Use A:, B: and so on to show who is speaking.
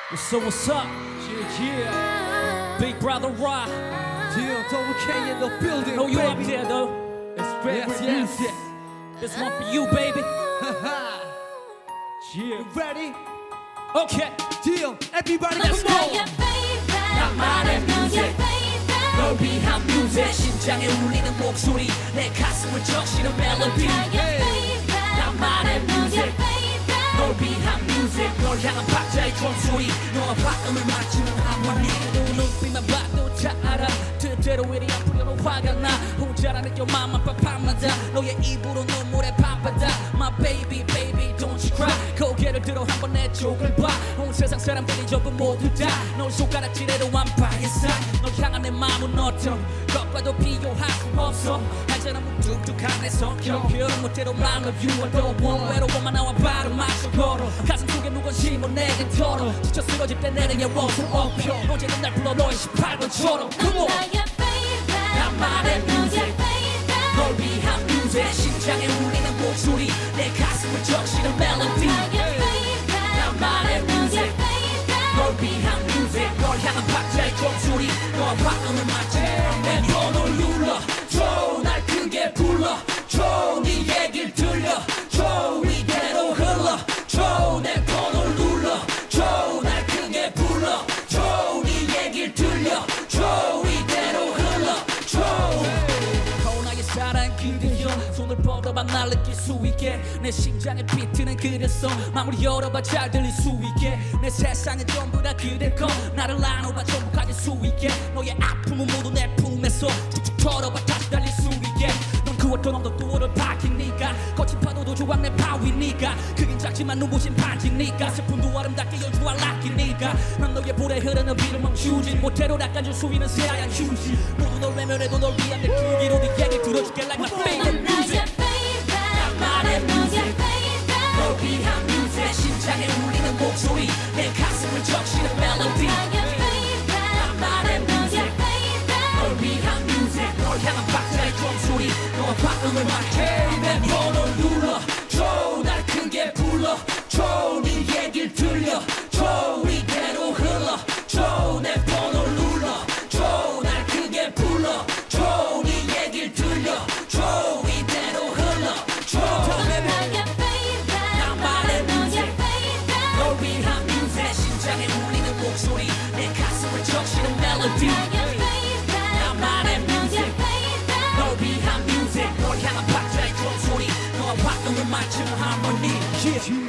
A: What's up?
B: Yeah,
A: Big Brother Rock.
B: yeah, Double K in the building.
A: Know you up
B: baby.
A: there though.
B: It's favorite
C: Yes,
B: music.
A: This one for you, baby.
B: You ready?
A: Okay.
B: Deal. Everybody,
A: Let's
B: come
A: go.
B: on.
A: 나만의 뮤직 널 위한 뮤직 심장에 울리는 목소리 내 가슴을 적시는 멜로디 나만의 뮤직 널 위한 뮤직 널 향한 박자의 종소리 너와 발음을 맞추는 하모니 너 눈빛만 봐도 잘 알아 뜻대로 이리 아프려는 화가 나 혼자라는 맘만 pap하마다 너의 입으로 눈물에 밤바다 My baby baby don't you cry 고개를 들어 한번 내 쪽을 봐온 세상 사람들이 전부 모두 다널 손가락질해도 완파했어 널 향한 내 마음은 어떤 것과도 비교할 수 없어 알잖아 무뚝뚝한 내 성격 표현 못해도 I love you I don't want 외로워만 나와 발을 맞춰 걸어 가슴 속에 무관심을 내게 털어 지쳐 쓰러질 때 내려에 원수 업혀 언제든 날 불러 너의 18번처럼 Come on 나만의 뮤직 널 위한 뮤직 심장에 울리는 목소리 내 가슴을 적시는 멜로디 나만의 뮤직 널 위한 뮤직 널 향한 박자의 종소리 너와 발음을 맞춰 내 번호를 눌러줘 날 크게 불러줘 네 얘길 들려줘 이대로 흘러줘 내 번호를 눌러줘 날 크게 불러줘 네 얘길 들려줘 이대로 흘러줘 나의 사랑 그대여 손을 뻗어봐 날 느낄 수 있게 내 심장의 비트는 그래서 마무리 열어봐 잘 들릴 수 있게 내 세상은 전부 다 그대 거 나를 나눠봐 전부 가질 수 있게 너의 아픔은 모두 내 품에서 툭툭 털어봐 다시 달릴 수 있게 넌 그 어떤 언덕도어를 밝히니까 거친 파도도 조각 내 바위니까 크긴 작지만 눈부신 반지니까 슬픔도 아름답게 연주할 락이니까 난 너의 볼에 흐르는 비를 멈추지 못해도 낚아줄 수 있는 새하얀 휴지 모두 널 외면해도 널 위한 내 크기로 네 얘기 들어줄게 like my favorite music 나만의 뮤직 널 위한 뮤직 심장에 울리는 목소리 내 가슴을 적시는 멜로디 나만의 뮤직 널 위한 뮤직 널 향한 박자의 종소리 너와 발음을 맞춰 내 번호를 눌러줘 날 크게 불러줘 네 얘길 들려줘 이대로 흘러줘 내 번호를 눌러줘 날 크게 불러줘 네 얘길 들려줘 이대로 흘러줘 나만의 뮤직 널 위한 뮤직 심장에 울리는 목소리 내 가슴을 적시는 멜로디 나만의 뮤직 널 위한 뮤직 널 향한 박자의 종소리 너와 발음을 맞추는 하모니